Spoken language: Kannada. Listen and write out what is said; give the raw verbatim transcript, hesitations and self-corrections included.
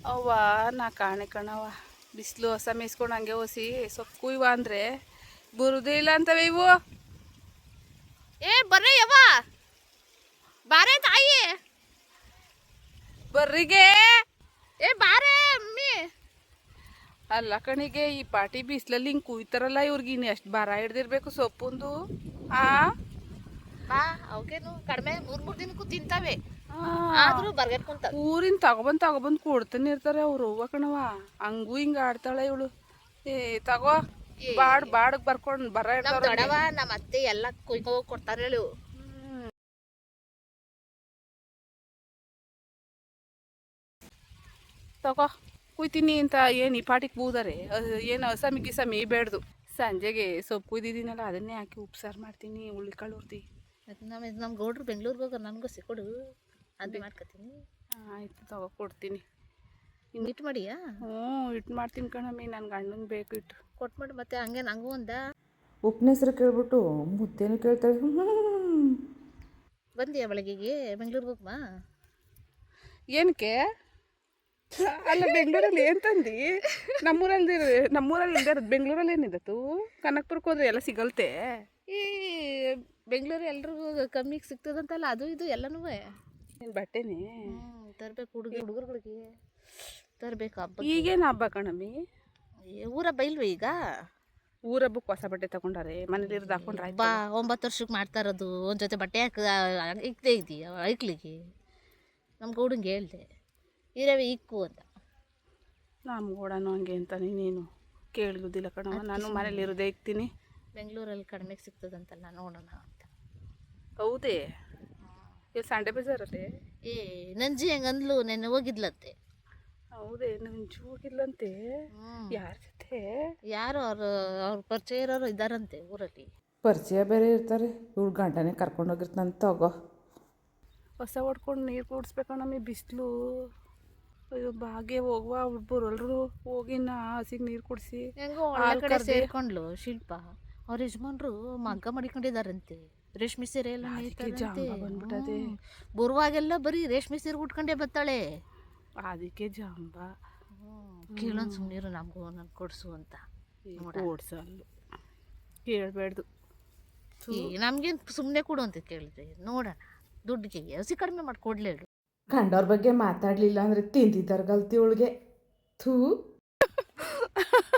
ಅವ್ವ ನಾ ಕಾಣೆ ಕಣವ ಬಿಸಿಲು ಹೊಸ ಮೇಯಿಸ್ಕೊಂಡು ಹಂಗೆ ಹೊಸಿ ಸೊಪ್ಪು ಕುಯ್ವ ಅಂದರೆ ಬರುದೇ ಇಲ್ಲ ಅಂತವೆ ಇವು. ಏ ಬರ್ರಿ ಯವ್ವ ಬಾರೆ ತಾಯಿ ಬರ್ರಿಗೆ ಏ ಬಾರೆ ಅಮ್ಮಿ. ಅಲ್ಲ ಕಣಿಗೆ ಈ ಪಾಟಿ ಬಿಸಿಲಲ್ಲಿ ಹಿಂಗೆ ಕುಯ್ತಾರಲ್ಲ ಇವ್ರಿಗೆ ಇನ್ನು ಎಷ್ಟು ಭಾರ ಹಿಡ್ದಿರ್ಬೇಕು ಸೊಪ್ಪುಂದು. ಆ ಬಾ ಅವಕೇನು ಕಡಿಮೆ ಮೂರ್ ಮೂರ್ ದಿನಕ್ಕೂ ತಿಂತಾವೆ ಆದ್ರೂ ಬರ್ಗೆಟ್ ಕುಂತ ಊರಿನ ತಗೊಬಂದು ತಗೊಬಂದು ಕೊಡ್ತಾನೆ ಇರ್ತಾರೆ ಅವ್ರು ಅವ್ವ ಕಣವ. ಹಂಗೂ ಹಿಂಗೆ ಆಡ್ತಾಳೆ ಇವಳು. ಏ ತಗೋ ಬಾಡ್ ಬಾಡಗ್ ಬರ್ಕೊಂಡು ಬರ ನಮ್ ಇರ್ತಾರ ದೊಡವ ನಮ್ಮ ಅತ್ತೆ ಎಲ್ಲ ಕುಯ್ಕೊ ಹೋಗಿ ಕೊಡ್ತಾರೆ ಹೇಳು. ತಗೋ ಕುಯ್ತೀನಿ ಅಂತ ಏನು ಈ ಪಾಟಿಗೆ ಬೂದಾರೆ ಏನು ಹಸಮಿ ಗಿಸಮಿ ಬೇಡ್ದು. ಸಂಜೆಗೆ ಸೊಪ್ಪು ಕುಯ್ದಿದ್ದೀನಲ್ಲ ಅದನ್ನೇ ಹಾಕಿ ಉಪ್ಸಾರು ಮಾಡ್ತೀನಿ ಹುಳ್ಳಿಕಾಳು ಹುರ್ದಿ. ನಮ್ಮ ನಮ್ಮ ಗೌಡ್ರು ಬೆಂಗ್ಳೂರಿಗೆ ಹೋಗೋರು ನನಗೂ ಸಿಕ್ಕೊಡು ಅದು ಮಾಡ್ಕೊತೀನಿ. ಆಯಿತು ತಗೋ ಕೊಡ್ತೀನಿ. ಇಟ್ಟು ಮಾಡಿಯಾ? ಹ್ಞೂ ಇಟ್ಟು ಮಾಡ್ತೀನಿ ಕಣಮ್ಮಿ, ನನ್ನ ಗಂಡಂಗೆ ಬೇಕು ಇಟ್ಟು ಕೊಟ್ಟು ಮಾಡಿ. ಮತ್ತೆ ಹಂಗೆ ನಂಗೂ ಒಂದ ಉಪ್ಪಿನ ಹೆಸರು ಕೇಳ್ಬಿಟ್ಟು ಮುದ್ದೇನು ಕೇಳ್ತಾಳೆ. ಬಂದಿಯಾ ಬೆಳಗ್ಗೆಗೆ ಬೆಂಗ್ಳೂರಿಗೆ ಹೋಗ್ಮಾ? ಏನಕ್ಕೆ ಅಲ್ಲ ಬೆಂಗಳೂರಲ್ಲಿ ಏನು ತಂದು ನಮ್ಮೂರಲ್ಲಿ ನಮ್ಮೂರಲ್ಲಿ ಇಲ್ದೇ ಇರೋದು ಬೆಂಗಳೂರಲ್ಲಿ ಏನಿದತ್ತು? ಕನಕಪುರಕ್ಕೆ ಹೋದ್ರೆ ಎಲ್ಲ ಸಿಗಲ್ತೆ. ಈ ಬೆಂಗಳೂರು ಎಲ್ರಿಗೂ ಕಮ್ಮಿಗೆ ಸಿಗ್ತದಂತಲ್ಲ ಅದು ಇದು ಎಲ್ಲನೂ ಏನು ಬಟ್ಟೆನೇ ತರ್ಬೇಕು. ಹುಡುಗಿ ಹುಡುಗರುಗಳಿಗೆ ತರಬೇಕು ಹಬ್ಬ. ಈಗೇನು ಹಬ್ಬ ಕಣಮ್ಮಿ? ಊರ ಬೈಲ್ವ ಈಗ? ಊರ ಹಬ್ಬಕ್ಕೆ ಹೊಸ ಬಟ್ಟೆ ತಗೊಂಡಾರೆ ಮನೇಲಿ ಇರೋದು ಹಾಕೊಂಡ್ರೆ ಬಾ ಒಂಬತ್ತು ವರ್ಷಕ್ಕೆ ಮಾಡ್ತಾ ಇರೋದು ಒಂದು ಜೊತೆ ಬಟ್ಟೆ ಹಾಕ ಇಕ್ದೇ ಇದೆಯಾ ಐಕ್ಲಿಗೆ? ನಮ್ಮ ಗೌಡಂಗೆ ಹೇಳ್ದೆ ಇರವೆ ಇಕ್ಕು ಅಂತ. ನಮ್ಮ ಗೌಡನು ಹಂಗೆ ಅಂತ ನೀನೇನು ಕೇಳುವುದಿಲ್ಲ ಕಣವ. ನಾನು ಮನೇಲಿ ಇರೋದೇ ಇಕ್ತೀನಿ. ಬೆಂಗಳೂರಲ್ಲಿ ಕಡಿಮೆಗೆ ಸಿಗ್ತದಂತಲ್ಲ ನೋಡೋಣ ಅಂತ. ಹೌದೇ? ಇಲ್ಲಿ ಸಂಡೆ ಬಜಾರಲ್ಲಿ ಏ ನಂಜಿ ಹೆಂಗೆ ಅಂದ್ಲು ನೆನ್ನೆ ಹೋಗಿದ್ಲಂತೆ. ಹೌದೇ? ನಂಜು ಹೋಗಿಲ್ಲಂತೆ. ಯಾರ ಜೊತೆ? ಯಾರು ಅವ್ರು ಅವ್ರ ಪರಿಚಯ ಇರೋರು ಇದ್ದಾರಂತೆ ಊರಲ್ಲಿ. ಪರಿಚಯ ಬೇರೆ ಇರ್ತಾರೆ. ಇವ್ಳು ಗಂಟನೇ ಕರ್ಕೊಂಡೋಗಿರ್ತಾನೆ. ತಗೋ ಹೊಸ ಹೊಡ್ಕೊಂಡು ನೀರು ಕುಡಿಸ್ಬೇಕಣ್ಣಮ್ಮಿ ಬಿಸಿಲು. ಅಯ್ಯೋ ಬಾಗೆ ಹೋಗುವ ಅವ್ರು ಬರೋಲ್ರು ಹೋಗಿನ ಹಸಿಗೆ ನೀರು ಕುಡಿಸಿ. ಹೆಂಗೋ ಒಳ್ಳೆ ಕಡೆ ಸೇರ್ಕೊಂಡ್ಲು ಶಿಲ್ಪ. ಅವ್ರ ಯಜಮಾನ್ರು ಮಗ್ಗ ಮಾಡಿಕೊಂಡಿದ್ದಾರಂತೆ. ರೇಷ್ಮೆ ಸೀರೆ ಎಲ್ಲ ನೇಯ್ತಾರಂತೆ. ಬಂದ್ಬಿಟ್ಟದೆ ಬರುವಾಗೆಲ್ಲ ಬರೀ ರೇಷ್ಮೆ ಸೀರೆ ಉಟ್ಕೊಂಡೇ ಬರ್ತಾಳೆ. ಅದಕ್ಕೆ ಜಾಂಬ ಕೇಳೋನ್ ಸುಮ್ಮನಿರು ನಮಗೂ ನನ್ಗೆ ಕೊಡ್ಸು ಅಂತ. ಓಡ್ಸಲ್ಲು ಕೇಳಬೇಡ್ದು. ನಮ್ಗೇನು ಸುಮ್ಮನೆ ಕೊಡು ಅಂತ ಕೇಳಿದ್ರೆ ನೋಡೋಣ ದುಡ್ಡಿಗೆ ಹಸಿ ಕಡಿಮೆ ಮಾಡಿ ಕೊಡ್ಲೇ ಹೇಳು. ಕಂಡವ್ರ ಬಗ್ಗೆ ಮಾತಾಡಲಿಲ್ಲ ಅಂದರೆ ತಿಂದಿದ್ದಾರ ಗಲ್ತಿ ಅವಳಿಗೆ. ಥೂ